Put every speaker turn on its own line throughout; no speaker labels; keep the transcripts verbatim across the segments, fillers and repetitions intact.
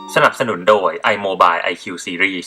สนับสนุนโดย iMobile ไอ คิว Series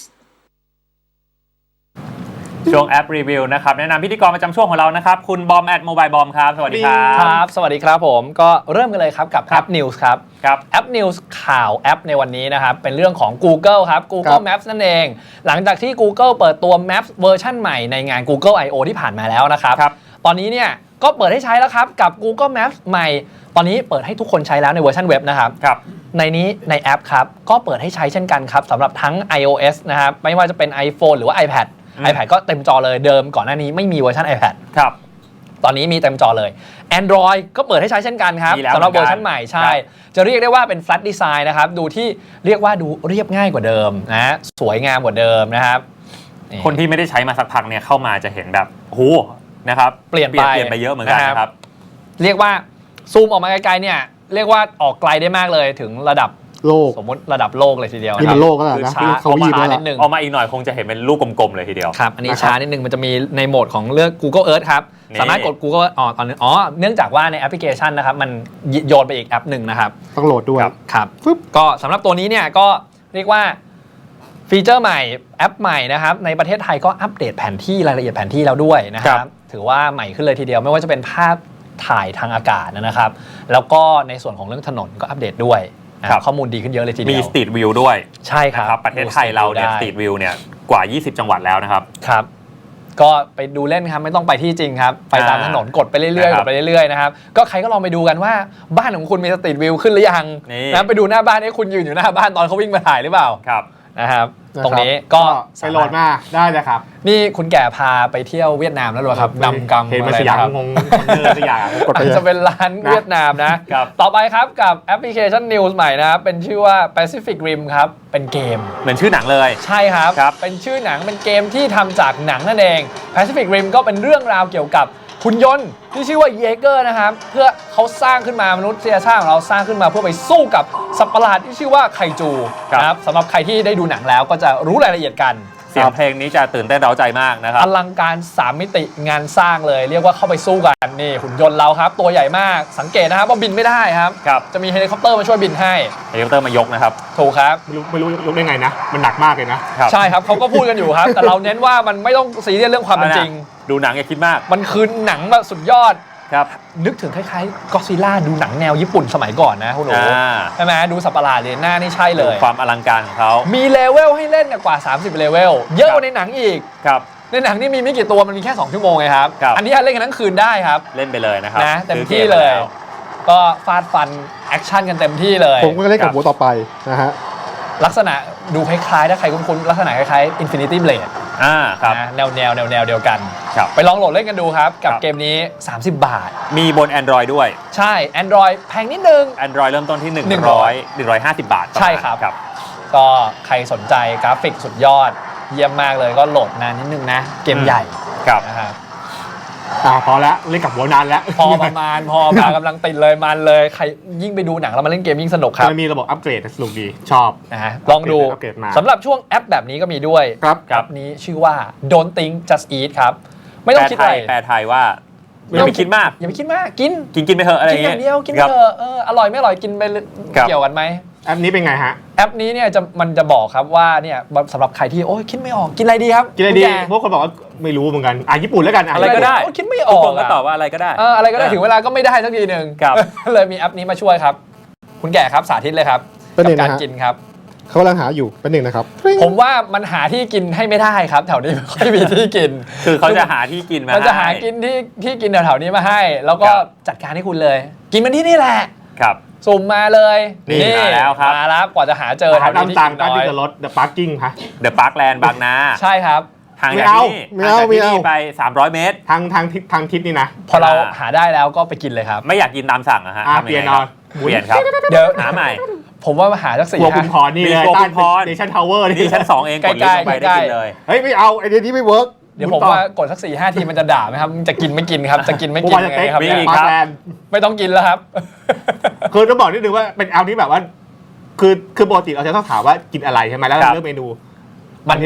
ช่วงแอปรีวิวนะครับแนะนำพิธีกรประจำช่วงของเรานะครับคุณบอมแอดโมบายบอมครับสวัสดีครับ
ครับสวัสดีครับผมก็เริ่มกันเลยครับกับแอป News ครับ
ครับ
แอป News ข่าวแอปในวันนี้นะครับเป็นเรื่องของ Google ครับ Google Maps นั่นเองหลังจากที่ Google เปิดตัว Maps เวอร์ชันใหม่ในงาน Google ไอ โอ ที่ผ่านมาแล้วนะครับตอนนี้เนี่ยก็เปิดให้ใช้แล้วครับกับ Google Maps ใหม่ตอนนี้เปิดให้ทุกคนใช้แล้วในเวอร์ชันเว็บนะครับในนี้ในแอปครับก็เปิดให้ใช้เช่นกันครับสำหรับทั้ง iOS นะครับไม่ว่าจะเป็น iPhone หรือว่า iPad iPad ก็เต็มจอเลยเดิมก่อนหน้านี้ไม่มีเวอร์ชัน iPad
ครับ
ตอนนี้มีเต็มจอเลย Android ก็เปิดให้ใช้เช่นกันครับสำหรับเวอร์ชันใหม่ใช่จะเรียกได้ว่าเป็น flat design นะครับดูที่เรียกว่าดูเรียบง่ายกว่าเดิมนะสวยงามกว่าเดิมนะครับ
คนที่ไม่ได้ใช้มาสักพักเนี่ยเข้ามาจะเห็นแบบโหนะครับ
เปลี่ยนไป
เปลี่ยนไปเยอะเหมือนกันนะครับ
เรียกว่าซูมออกมาไกลๆเนี่ยเรียกว่าออกไกลได้มากเลยถึงระดับ
โลก
สมมติระดับโลกเลยทีเดียว
นี่มันโลกก็แล้วนะ
ช้าเขาช้านิดนึง
ออกมาอีกหน่อยคงจะเห็นเป็นลูกกลมๆเลยทีเดียว
ครับอันนี้ช้านิดนึงมันจะมีในโหมดของเลือก Google Earth ครับสามารถกด Google อ๋อตอนนี้อ๋อเนื่องจากว่าในแอปพลิเคชันนะครับมันโยนไปอีกแอปหนึ่งนะครับ
ต้องโหลดด้วย
ครับก็สำหรับตัวนี้เนี่ยก็เรียกว่าฟีเจอร์ใหม่แอปใหม่นะครับในประเทศไทยก็อัปเดตแผนที่รายละเอียดแผนที่แล้วด้วยนะครับถือว่าใหม่ขึ้นเลยทีเดียวไม่ว่าจะเป็นภาพถ่ายทางอากาศนะครับแล้วก็ในส่วนของเรื่องถนนก็อัปเดตด้วยข้อมูลดีขึ้นเยอะเลยทีเดียว
มี Street View ด้วย
ใช่ครับ
ประเทศไทยเราเนี่ย Street View เนี่ยกว่ายี่สิบจังหวัดแล้วนะครับ
ครับก็ไปดูเล่นครับไม่ต้องไปที่จริงครับไปตามถนนกดไปเรื่อยๆกดไปเรื่อยๆนะครับก็ใครก็ลองไปดูกันว่าบ้านของคุณมี Street View ขึ้นหรือยังนะไปดูหน้าบ้านให้คุณยืนอยู่หน้าบ้านตอนเขาวิ่งมาถ่ายหรือเปล่า
ครับ
นะครับตรงนี้ก็
ไปโหลดมาได้เลยครับ
นี่คุณแก่พาไปเที่ยวเวียดนามแล้วหรอครับนำกำ
เห็นมาสยามงงเดินสยาม
กดไปจะเป็นร้านเวียดนามนะต่อไปครับกับแอปพลิเคชัน News ใหม่นะครับเป็นชื่อว่า Pacific Rim ครับเป็นเกม
เหมือนชื่อหนังเลย
ใช่ครับเป็นชื่อหนังเป็นเกมที่ทำจากหนังนั่นเอง Pacific Rim ก็เป็นเรื่องราวเกี่ยวกับหุ่นยนต์ที่ชื่อว่าเยเกอร์นะครับเพื่อเขาสร้างขึ้นมามนุษยชาติของเราสร้างขึ้นมาเพื่อไปสู้กับสัตว์ประหลาดที่ชื่อว่าไคจูนะครับสำหรับใครที่ได้ดูหนังแล้วก็จะรู้รายละเอียดกัน
เสียงเพลงนี้จะตื่นเต้นเร้าใจมากนะครับ
อลังการสามมิติงานสร้างเลยเรียกว่าเข้าไปสู้กันนี่หุ่นยนต์เราครับตัวใหญ่มากสังเกตนะครับว่าบินไม่ได้ครับจะมีเฮลิคอปเตอร์มาช่วยบินให้
เฮลิคอปเตอร์มายกนะครับ
ถูกครับ
ไม่รู้ไม่รู้ยกได้ไงนะมันหนักมากเลยนะ
ใช่ครับเขาก็พูดกันอยู่ครับแต่เราเน้นว่ามันไม่ต้องซีเรียสเรื่องความเป็นจริง
ดูหนังอย่าคิดมาก
มันคือหนังแบบสุดยอดนึกถึงคล้ายๆก็อดซิลล่าดูหนังแนวญี่ปุ่นสมัยก่อนนะคุณหนูใช่ไหมดูสัตว์ประหลาดเลยหน้านี่ใช่เลย
ความอลังการของเขา
มีเลเวลให้เล่นกว่าสามสิบเลเวลเยอะกว่าในหนังอีก
ครับ
ในหนังนี่มีไม่กี่ตัวมันมีแค่สองชั่วโมงไงครับอันนี้เล่นกันทั้งคืนได้ครับ
เล่นไปเลยนะครับ
นะเต็มที่เลยก็ฟาดฟันแอคชั่นกันเต็มที่เลย
ผมก็เล่นกับหัวต่อไปนะฮะ
ลักษณะดูคล้ายๆถ้าใครคุ้นๆลักษณะคล้ายๆ Infinity Blade
อ่าครับ
แนวแนวแนวแนวเดียวกันไปลองโหลดเล่นกันดูครับกับเกมนี้สามสิบบาท
มีบน Android ด้วย
ใช่ Android แพงนิดนึง
Android เริ่มต้นที่หนึ่งร้อย หนึ่งร้อยห้าสิบบาท
ใช่ครับก็ใครสนใจกราฟิกสุดยอดเยี่ยมมากเลยก็โหลดนานนิดนึงนะเกมใหญ่นะครับ
อ่าพอแล้วเล่นกับหัวนานแล้ว
พอประมาณพอมากำลังติดเลยมันเลยใครยิ่งไปดูหนังแล้วมาเล่นเกมยิ่งสนุกครับ
มันมีระบบอัปเกรดสนุกดีชอบ
นะฮะลองดูสำหรับช่วงแอปแบบนี้ก็มีด้วยแอปนี้ชื่อว่า Don't Think Just Eat ครับไม่ต้องคิดอะไร
แปลไทยว่าอย่าไปคิดมาก
อย่าไปคิดมากกิน
กินกินไปเถอะอะไรอย่าง
เงี้ยกินอย่างเดียวกินไปเถอะเอออร่อยไม่อร่อยกินไปเกี่ยวกันไหม
แอปนี้เป็นไงฮะ
แอปนี้เนี่ยจะมันจะบอกครับว่าเนี่ยสำหรับใครที่โอ้ยคิดไม่ออกกินอะไรดีครับ
กินอะไรดีพวกคนบอกว่าไม่รู้เหมือนกันอ่ะญี่ปุ่นแล้วกัน
อะไรก็ได้
คิดไม่ออก
ก็ตอบว่าอะไรก็ได้
เอออะไรก็ได้ถึงเวลาก็ไม่ได้สักทีหนึ่งเลยมีแอปนี้มาช่วยครับคุณแก่ครับสาธิตเลยครับกับการกินครับ
เขากำลังหาอยู่เป็นหนึ่งนะครับ
ผมว่ามันหาที่กินให้ไม่ได้ครับแถวนี้ไม่ค่อยมีที่กิน
คือเขาจะหาที่กินมา
มันจะหากินที่ที่กินแถวๆนี้มาให้แล้วก็จัดการให้คุณเลยกินมันที่นี่แหละ
ครับ
สุ่มมาเลย
นี่มาแล้วครับ
มาแล้วกว่าจะหาเจอ
ทางที่ต่างกันที่จะลด The Parking ฮะ
The Parkland บางนา
ใช่ครับ
ทางจากที่นี่
ไม่เอาไม่เอา
ไปสามร้อยเมตร
ทางทางทิศทางทิศนี่นะ
พอเราหาได้แล้วก็ไปกินเลยครับ
ไม่อยากกินตามสั่งอะฮะ
เปลี่ยนนอน
เปลี่ยนครับ
เดี๋ยว
หาใหม่
ผมว่าหาสักสี่
ห้าคุณพรนี่เลยใต้เนชั่นทาวเวอร์
นี่ชั้นสองเองกดลิงก์ไปได้กินเลย
เฮ้ยไม่เอาไอเดียนี้ไม่เวิร์ก
เดี๋ยวผมว่ากดสักสี่ห้าทีมันจะด่าไหมครับจะกินไม่กินครับจะกินไม่กินยังไงครับไม่ต้องกินแล้วครับ
คือต้องบอกนิดนึงว่าเป็นแอปที่แบบว่าคือคือปกติเราจะต้องถามว่ากินอะไรใช่ไหมแล้วเราเลือกเมนูมันนี่เลย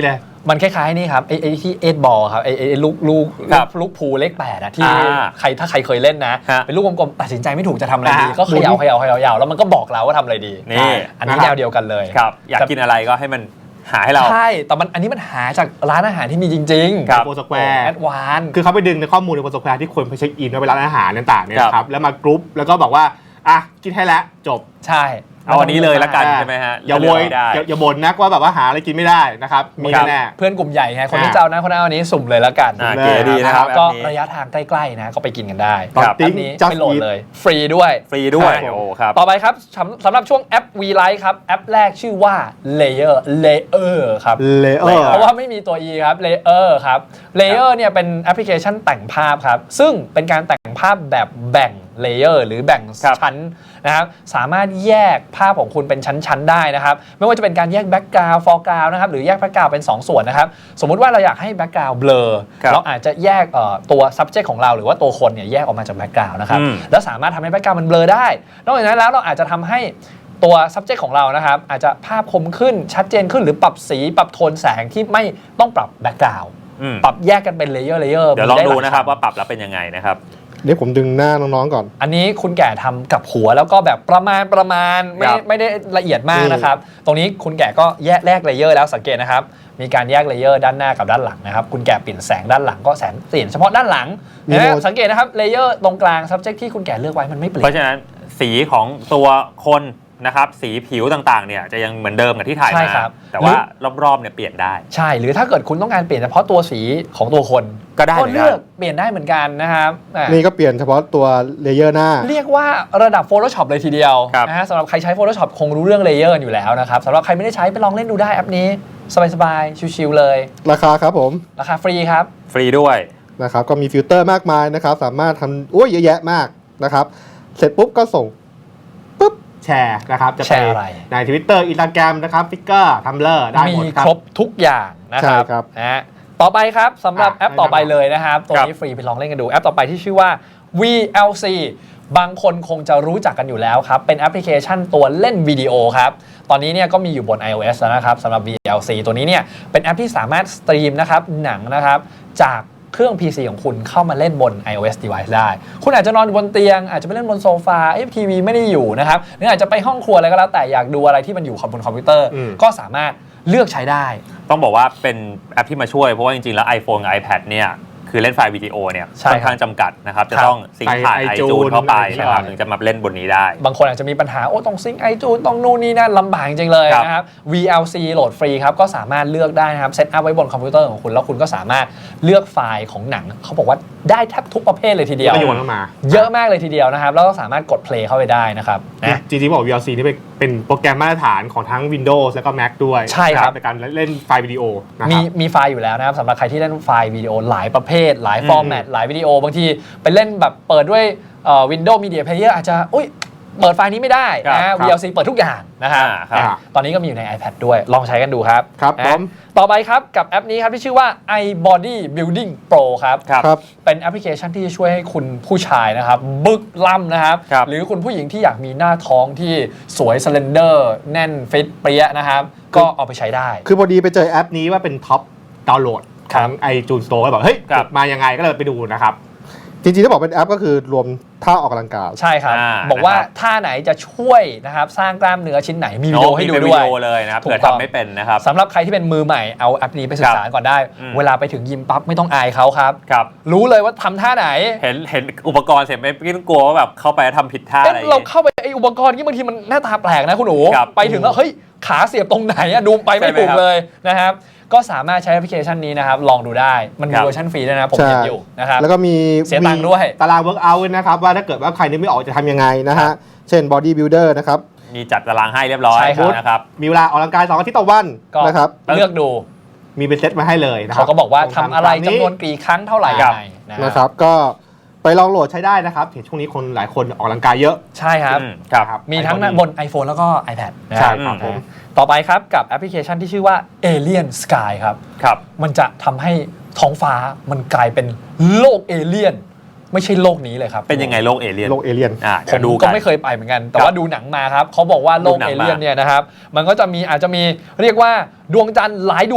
มันคล้ายๆนี่ครับไอ้ไอ้ที่เอ็ดบอลครับไอ้ไอ้ลูกลูก
ครับ
ลูกพูลเลขแปดอะที่
อ่า
ใครถ้าใครเคยเล่นนะ
ฮะ
เป็นลูกกลมๆตัดสินใจไม่ถูกจะทำอะไรดี
อ่า
ก็เขย่าเขย่าเขย่าเขย่าแล้วมันก็บอกเราว่าทำอะไรดี
นี่
อันนี้
นะครับ
แนวเดียวกันเลย
ครับอยากกินอะไรก็ให้มันหาให้เรา
ใช่แต่มันอันนี้มันหาจากร้านอาหารที่มีจริงๆ
ครับ
โปรสแควร์
แอดวาน
คือเขาไปดึงในข้อมูลในโปรสแควร์ที่คนไปเช็คอินไว้เป็นร้านอาหารต่างๆเนี่ย
ครับ
นะครับแล้วมากรุ๊ปแล้วก็บอกว่าอ่ะกินให้แล้วจบ
ใช่
เอาอันนี้เลยละกันใช่ไหมฮะ
อย่าโวย
เลือกไม่ได้
อย่าอย่าบ่นนักว่าแบบว่าหาอะไรกินไม่ได้นะครับมี
ครับ
แน่
เพื่อนกลุ่มใหญ่ไงคน
อ่า
ที่เจ้านะคนนั้นอันนี้สุ่มเลยแล้วกัน
อ่า
เลย
เก๋ดีนะครับ
ก็
แอปนี้
ระยะทางใกล้ๆนะก็ไปกินกันได้
ตอน
ครับ
แอ
ติ้ง
ปนี้
จัส
ไปโหลด
อีท
เลย ฟรีด้วย
ฟรีด้วย
ครับ
โอ้ครับ
ต่อไปครับสำสำหรับช่วงแอป V Lite ครับ แอปแรกชื่อว่า Layer Layer ครับ
เลเออร์
เพราะว่าไม่มีตัว E ครับ Layer ครับ Layer เนี่ยเป็นแอปพลิเคชันแต่งภาพครับ ซึ่งเป็นการแต่งภาพแบบแบ่ง Layer หรือแบ่ง
ครับ
ชั้นนะครับสามารถแยกภาพของคุณเป็นชั้นๆได้นะครับไม่ว่าจะเป็นการแยก Background Foreground นะครับหรือแยก Background เป็นสองส่วนนะครับสมมุติว่าเราอยากให้ Background blur
ครับ
เราอาจจะแยกเอ่อตัว subject ของเราหรือว่าตัวคนเนี่ยแยกออกมาจาก Background นะครับ
อืม
แล้วสามารถทำให้ Background มัน blur ได้นอกจากนั้นแล้วเราอาจจะทำให้ตัว subject ของเรานะครับอาจจะภาพคมขึ้นชัดเจนขึ้นหรือปรับสีปรับโทนแสงที่ไม่ต้องปรับ Background
อืม
ปรับแยกกันเป็น Layer Layer
เดี๋ยวลอง
มีไห
ดู
ย
นะครับ
ชั้
ว่าปรับแล้วเป็นยังไงนะครับ
เดี๋ยวผมดึงหน้าน้องๆก่อน
อันนี้คุณแก่ทำกับหัวแล้วก็แบบประมาณประมาณไม่
ครับ
ไม่ได้ละเอียดมาก
อืม
นะครับ ตรงนี้คุณแก่ก็แยกแยกเลเยอร์แล้วสังเกตนะครับ มีการแยกเลเยอร์ด้านหน้ากับด้านหลังนะครับ คุณแก่เปลี่ยนแสงด้านหลังก็แสงเปลี่ยนเฉพาะด้านหลังนะสังเกตนะครับเลเยอร์ตรงกลาง subject ที่คุณแก่เลือกไว้มันไม่เปลี่ย
เพราะ
น
ฉะนั้นสีของตัวคนนะครับสีผิวต่างๆเนี่ยจะยังเหมือนเดิมกับที่ถ่าย
ใช่
มา
ครับ
แต่ว่ารอบๆเนี่ยเปลี่ยนได้
ใช่หรือถ้าเกิดคุณต้องการเปลี่ยนเฉพาะตัวสีของตัวคน
ก็ได้เหมือนกัน
เลือกเปลี่ยนได้เหมือนกันนะครับอ่ะ
นี่ก็เปลี่ยนเฉพาะตัวเลเยอร์หน้า
เรียกว่าระดับ Photoshop เลยทีเดียว
ครับ
นะฮะสำหรับใครใช้ Photoshop คงรู้เรื่องเลเยอร์อยู่แล้วนะครับสำหรับใครไม่ได้ใช้ไปลองเล่นดูได้แอปนี้สบายๆชิวๆเลย
ราคาครับผม
ราคาฟรีครับ
ฟรีด้วย
นะครับก็มีฟิลเตอร์มากมายนะครับสามารถทำโอ้ยเยอะแยะมากนะครับเสร็จปุ๊บก็ส่งปุ๊บแชร์นะครับจะ
แชร์อะไร
ใน Twitter Instagram นะครับ Flickr Tumblr ได้หมด
มี
ครับ
ครบทุกอย่างนะครับ
ใช่ครับ
นะฮะต่อไปครับสำหรับ
อ่ะ
แอปต่อไปเลยนะครับตัวนี้ฟรีไปลองเล่นกันดูแอปต่อไปที่ชื่อว่า วี แอล ซี บางคนคงจะรู้จักกันอยู่แล้วครับเป็นแอปพลิเคชันตัวเล่นวิดีโอครับตอนนี้เนี่ยก็มีอยู่บน iOS แล้วนะครับสำหรับ วี แอล ซี ตัวนี้เนี่ยเป็นแอปที่สามารถสตรีมนะครับหนังนะครับจากเครื่อง พี ซี ของคุณเข้ามาเล่นบน iOS device ได้ คุณอาจจะนอนบนเตียงอาจจะไปเล่นบนโซฟาเอฟทีวีไม่ได้อยู่นะครับหรืออาจจะไปห้องครัวอะไรก็แล้วแต่อยากดูอะไรที่มันอยู่บนคอมพิวเตอร์
อืม
ก็สามารถเลือกใช้ได้
ต้องบอกว่าเป็นแอปที่มาช่วยเพราะว่าจริงๆแล้ว iPhone กับ iPad เนี่ยคือเล่นไฟล์วิดีโอเนี่ย
ใช่
ค่อนข้างจำกัดนะครับจะ
ครับ
ต้องซิงค์ผ่าน
ไป
iTunes
iTunes
เข้าไป
ใช่
นะครับถึงจะมาเล่นบนนี้ได้
บางคนอาจจะมีปัญหาโอ้ต้องซิงค์ไอจูนต้องนู่นนี่นั่นลำบากจริงๆเลย
ครับ
นะครับ วี แอล ซี โหลดฟรีครับก็สามารถเลือกได้นะครับเซตอัพไว้บนคอมพิวเตอร์ของคุณแล้วคุณก็สามารถเลือกไฟล์ของหนังเขาบอกว่าได้แทบทุกประเภทเลยทีเดียว
ก็โยนเข้ามา
เยอะมากเลยทีเดียวนะครับแล้วก็สามารถกด play เข้าไปได้นะครับนะ
จริงๆบอก วี แอล ซี นี่เป็นเป็นโปรแกรมมาตรฐานของทั้ง Windows แล้วก็ Mac ด้วย
ใช่ครับ
ในการเล่นไฟล์วิดีโอนะค
มี
รับ
มีไฟล์อยู่แล้วนะครับสำหรับใครที่เล่นไฟล์วิดีโอหลายประเภท หลาย
อืม
ฟอร์แมตหลายวิดีโอบางทีไปเล่นแบบเปิดด้วยเอ่อ Windows Media Player อาจจะอุ้ยเปิดไฟล์นี้ไม่ได้
ครับ
นะ
ครับ
วี แอล ซี เปิดทุกอย่างนะครับ
อ่าครับ
อ่ะตอนนี้ก็มีอยู่ใน iPad ด้วยลองใช้กันดูครับ
ครับ
นะ
ผม
ต่อไปครับกับแอปนี้ครับที่ชื่อว่า iBody Building Pro ครับ
ครับ
ครับ
เป็นแอปพลิเคชันที่จะช่วยให้คุณผู้ชายนะครับบึกล่ำนะครับ
ครับ
หรือคุณผู้หญิงที่อยากมีหน้าท้องที่สวยสเลนเดอร์แน่นฟิตเปรี้ยนะครับก็เอาไปใช้ได้
คือพอดีไปเจอแอปนี้ว่าเป็นท็อปดาวน์โหลด
ค
ข
รั
อบ ง iTunes Store ก็แบบเฮ้ย
ครับ
มายังไงก็เลยไปดูนะครับ จริงๆถ้าบอกเป็นแอปก็คือรวมท่าออกกำลังกาย
ใช่ครับ
อ่า
บอกว่า
นะครับ
ท่าไหนจะช่วยนะครับสร้างกล้ามเนื้อชิ้นไหนมีวิดีโอให้ดู
มีเป็น
ด้วย
วิดีโอเลยนะครับ
ถูก
เผื่อ
ต้อง
ทำไม่เป็นนะครับ
สำหรับใครที่เป็นมือใหม่เอาแอปนี้ไปศึกษาก่อนได้
อืม
เวลาไปถึงยิมปั๊บไม่ต้องอายเขาครับ
ครับ
รู้เลยว่าทำท่าไหน
เห็นเห็นอุปกรณ์เสร็จไม่ไม่ต้องกลัวว่าแบบเข้าไปแล้วทำผิดท่า
เอ๊ะ
อะไรอย่าง
เรา
งี้
เข้าไปไออุปกรณ์นี้บางทีมันหน้าตาแปลกนะคุณหนู
ครับ
ไปถึงแล้วเฮ้ยขาเสียบตรงไหนอะดูไปไม่
ใช่ไหม
ถูก
ครับ
เลยนะครับก็สามารถใช้แอปพลิเคชันนี้นะครับลองดูได้มันมี
ครับ
เวอร์ชันฟรีด้วยนะผม
ใช่
เห็นอยู่นะครับ
แล้วก็มี
เสียตังค์ด้วย
ตาราง workout นะครับว่าถ้าเกิดว่าใครนึกไม่ออกจะทำยังไงนะฮะ เช่น body builder นะครับ
มีจัดตารางให้เรียบร้อย
ใช่ครับ
นะครับ
มีเวลาออกกำลังกายสองอาทิตย์ต่อวัน
ก็
นะครับ
เลือกดู
มีเป็นเซตมาให้เลยนะครั
เขาก็บอกว่าทำอะไร
ตาม
จำนวนกี่ครั้งเท่าไหร่
ค
ยั
รับ
งไงนะ
นะครับ ก็ไปลองโหลดใช้ได้นะครับเห็นช่วงนี้คนหลายคนออกกำลังกายเยอะ
ใช่ครับ
อืมครับ
นะครับ
มีทั้ง
iPhone
บน iPhone แล้วก็ iPad นะ
ใช่
ครับ
ครับผม
ต่อไปครับกับแอปพลิเคชันที่ชื่อว่า Alien Sky ครับ
ครับ
มันจะทำให้ท้องฟ้ามันกลายเป็นโลกเอเลี่ยนไม่ใช่โลกนี้เลยครับ
เป็นยังไงโลกเอเลี่ยน
โลกเอเลี่ยน
อ่า
ผ
เดี๋ย
ม
วดู
ก็
กัน
ไม่เคยไปเหมือนกัน แต่
ครับ
ว่าดูหนังมาครับเขาบอกว่าโลก
ดูหนัง
เอ
มา
เลี่ยนเนี่ยนะครับมันก็จะมีอาจจะมีเรียกว่าดวงจันทร์หลายดวง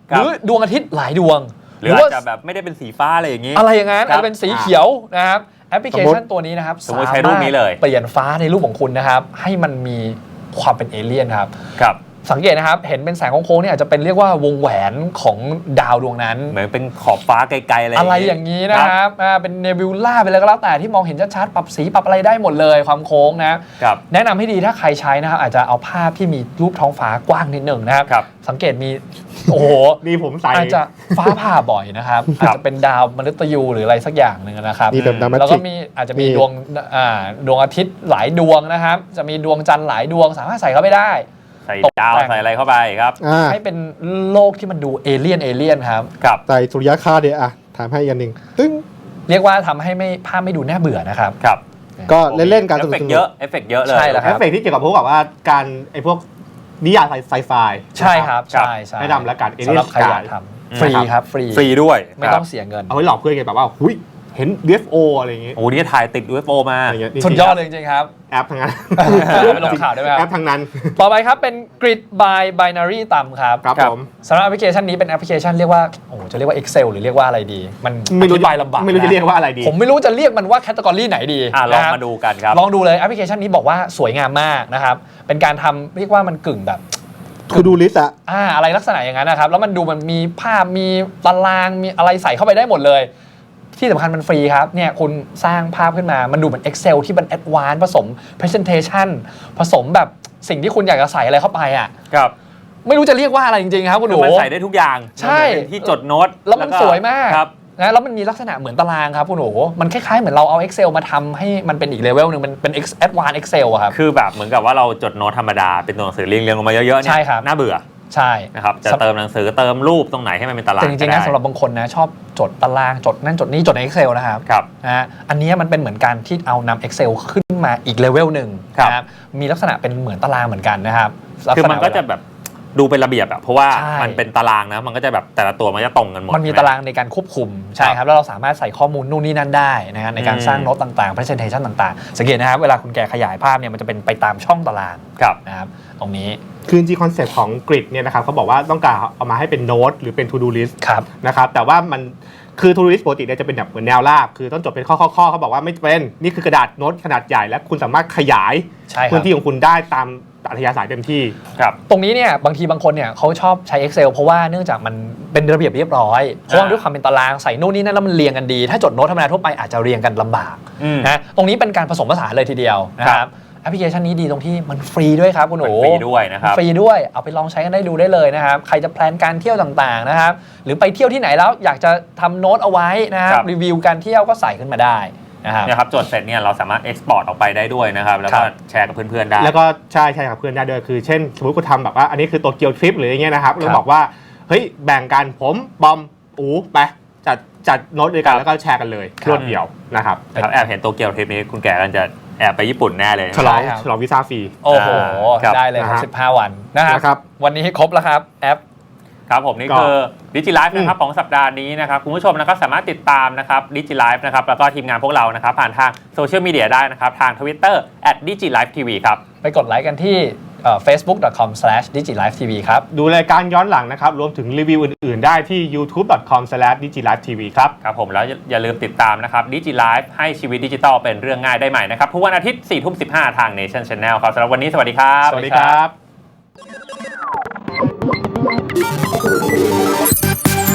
หรือดวงอาทิตย์หลายดวง
หรืออาจจะแบบไม่ได้เป็นสีฟ้าอะไรอย่างนี้
อะไรอย่างนั้น
ครับ
อาจจะเป็นสีเขียวนะครับแอปพลิเคชันตัวนี้นะครับ
สมมติใช้รูปนี้เลย
เปลี่ยนฟ้าในรูปของคุณนะครับให้มันมีความเป็นเอเลี่ยนครับ
ครับ
สังเกตนะครับเห็นเป็นแสงโค้งๆเนี่ยอาจจะเป็นเรียกว่าวงแหวนของดาวดวงนั้น
เหมือนเป็นขอบฟ้าไกลๆอะไร
อะไรอย่างนี้นะครับอ่าเป็นเนบิวล่าไปเลยก็แล้วแต่ที่มองเห็นชัดๆปรับสีปรับอะไรได้หมดเลยความโค้งนะครับแนะนำให้ดีถ้าใครใช้นะครับอาจจะเอาภาพที่มีรูปท้องฟ้ากว้างนิดหนึ่งนะครับ
ครับ
สังเกตมีโอ้โห
นี่ผมใส่
อาจจะฟ้าผ่าบ่อยนะครับอาจจะเป็นดาวมฤตยูหรืออะไรสักอย่างหนึ่งนะครับ
นี่แบบดรามา
แล้ว
ติ
ก็
ก
มีอาจจะมี
มี
ดวงอ่าดวงอาทิตย์หลายดวงนะครับจะมีดวงจันทร์หลายดวงสามารถใส่เข้าไปได้
ใส่ดาวใส่อะไรเข้าไปครับ
อ่า
ให้เป็นโลกที่มันดูเอเลี่ยนเอเลี่ยนครับ
ครับ
ใส่สุริยคราสเดี๋ยวอ่ะถามให้อีกอันหนึ่งตึ้ง
เรียกว่าทำให้ไม่ภาพไม่ดูน่าเบื่อนะครับ
ครับ
ก็เล่นๆกัน
เอ
ส
ฟ
นุ
เฟ
ก
ก
ๆ
ต์เยอะเอฟเฟกต์เยอะเลย
ใช่แล้ว
เอฟเฟกต์ที่เกี่ยวกับพวกแบบว่าการไอ้พวกนิยายไซไฟ
ใช่ครับใช่ใช่
แนะนำแล้วกัน
สำหรับใครอยากทำฟรีครับฟรี
ฟรีด้วย
ไม่ต้องเสียเงิน
เอาไว้หลอกเพื่อนไงแบบว่าหุยเห็น ยู เอฟ โอ อะไรอย่างเงี้ย
โอ้นี่ถ่ายติด ยู เอฟ โอ มา
อะไรเงี้ยนี่
สุดยอดเลยจริงๆครับ
แอปทั้งนั้น
ไปลงข่าวได้ไหมครับ
แอปทั้งนั้น
ต่อไปครับเป็น Grid by Binary ต่ำครับ
ครับผม
สำหรับแอปพลิเคชันนี้เป็นแอปพลิเคชันเรียกว่าโอ้โหจะเรียกว่า Excel หรือเรียกว่าอะไรดี มัน
ไม่รู้
อธิบายลำบาก
ไม่รู้จะเรียกว่าอะไรดี
ผมไม่รู้จะเรียกมันว่าแคตตากรีไหนดี
อ่ะลอง
นะครับ
มาดูกันครับ
ลองดูเลยแอปพลิเคชันนี้บอกว่าสวยงามมากนะครับเป็นการทำเรียกว่ามันกึ่งแบบ
คือดูลิสต์อะ
อ่าอะไรลักษณะอย่างนั้นนะครับแล้วมันดูมันมีภาพมีตารางมีอะไรใส่เข้าไปได้หมดเลยที่สำคัญมันฟรีครับเนี่ยคุณสร้างภาพขึ้นมามันดูเหมือน Excel ที่มัน Advanced ผสม Presentation ผสมแบบสิ่งที่คุณอยากจะใส่อะไรเข้าไปอ่ะ
ครับ
ไม่รู้จะเรียกว่าอะไรจริงๆครับคุณห
คื
นู
อมันใส่ได้ทุกอย่าง
ใช่
มันเป็นที่จดโน้ต
แล้วมันสวยมาก
ครับ
นะแล้วมันมีลักษณะเหมือนตารางครับคุณหนูมันคล้ายๆเหมือนเราเอา Excel มาทำให้มันเป็นอีกเลเวลหนึ่งมันเป็น Advanced Excel อะครับ
คือแบบเหมือนกับว่าเราจดโน้ตธรรมดาเป็นตัวหนังสือเรียงเรียงลงมาเยอะๆเนี่
ใช่
ย
ครับ
น่าเบื่อ
ใช่
นะครับจะเติมหนังสือเติมรูปตรงไหนให้มันเป็นตาราง
แต่จริงๆนะ
ก็ได้
สำหรับบางคนนะชอบจดตารางจดนั่นจดนี่จดใน Excel นะครับ
ครับ
นะฮะอันนี้มันเป็นเหมือนการที่เอานำ Excel ขึ้นมาอีกเลเวลหนึ่ง
ครับ
นะครับมีลักษณะเป็นเหมือนตารางเหมือนกันนะครับลัษ
คือ
ณะ
มันก็จะแบบดูเป็นระเบียบอะเพราะว่า
ใช่
มันเป็นตารางนะมันก็จะแบบแต่ละตัวมันจะตรงกันหมด
มันมี
ใช่ไห
ตารางในการควบคุมใช่ครับแล้วเราสามารถใส่ข้อมูลนู่นนี่นั่นได้นะฮะในการ
อืม
สร้างโน้ตต่างๆ presentation ต่างๆ สังเกตนะครับเวลาคุณแกขยายภาพเนี่ยมันจะเป็นไปตามช่องตาราง
ครับ
นะครับตรงนี้
คือจริงๆคอนเซ็ปต์ของกริดเนี่ยนะครับเขาบอกว่าต้องการเอามาให้เป็นโน้ตหรือเป็น to do list
ครับ
นะครับแต่ว่ามันคือ to do list ปกติเนี่ยจะเป็นแบบเหมือนแนวราบคือต้องจดเป็นข้อๆๆเขาบอกว่าไม่เป็นนี่คือกระดาษโน้ตขนาดใหญ่และคุณสามารถขยาย
ใช่ครับ
พื้นที่ของคุณได้ตามอัธยาศัยเต็มที่
ครับ
ตรงนี้เนี่ยบางทีบางคนเนี่ยเขาชอบใช้ Excel เพราะว่าเนื่องจากมันเป็นระเบียบเรียบร้อยเพราะว่าด้วยความเป็นตารางใส่นู่นนี่นั่นแล้วมันเรียงกันดี ถ้าจดโน้ตธรรมดาทั่วไปอาจจะเรียงกันลำบาก
อืม
นะตรงนี้เป็นการผสมผสานเลยทีเดียวนะค
ครั
รับบ แอปพลิเคชันนี้ดีตรงที่มันฟรีด้วยครับคุณหนู
มันฟรีด้วยนะครับ
ฟรีด้วยเอาไปลองใช้กันได้ดูได้เลยนะครับใครจะแพลนการเที่ยวต่างๆนะครับหรือไปเที่ยวที่ไหนแล้วอยากจะทำโน้ตเอาไว้นะครับ
ครับ
รีวิวการเที่ยวก็ใส่ขึ้นมาได้นะครับ
เนี่ยครับจดเสร็จเนี่ยเราสามารถเอ็กซ์พอร์ตออกไปได้ด้วยนะครับแล้วก็
ครับ
แชร์กับเพื่อนๆได้
แล้วก็ใช่ใช่ครับเพื่อนได้ด้วยคือเช่น สมมติคุณทำแบบว่าอันนี้คือตัวเกียวทริปหรืออย่างเงี้ยนะครับเราบอกว่าเฮ้ยแบ่งกันผมบอมอูไปจัดจัดโน้ตด้วยกันแล้วก็แชร์กันเลยรวดเดียวนะครับ
ครับแอบเห็นโตเกียวทริปนี้คุณแก่กันจะแอบไปญี่ปุ่นแน่เลย
ฉลอง
ใช่ครับ
ฉลองวีซ่าฟรี
โอ้โห
ครับ
ได้เลยครั
นะ
บ
ฮะ
สิบห้าวันนะค
นะครั
รับ วันนี้ครบแล้วครับแอป
ครับผมนี่
ก็
คือดิจิไลฟ์นะครับ
อืม
ของสัปดาห์นี้นะครับคุณผู้ชมนะครับสามารถติดตามนะครับดิจิไลฟ์นะครับแล้วก็ทีมงานพวกเรานะครับผ่านทางโซเชียลมีเดียได้นะครับทาง Twitterแอท ดิจิไลฟ์ทีวี ครับ
ไปกดไลค์กันที่เอ่อ เฟซบุ๊ก ดอท คอม สแลช ดิจิไลฟ์ ที วี ครับ
ดูรายการย้อนหลังนะครับรวมถึงรีวิวอื่นๆ ได้ที่ ยูทูบ ดอท คอม สแลช ดิจิไลฟ์ ที วี ครับ
ครับผมแล้วอย่าลืมติดตามนะครับดิจิไลฟ์ให้ชีวิตดิจิทัลเป็นเรื่องง่ายได้ใหม่นะครับทุกวันอาทิตย์ สี่ทุ่มสิบห้า ทาง Nation Channel ครับสำหรับวันนี้สวัสดีครับ
สวัสดีครับ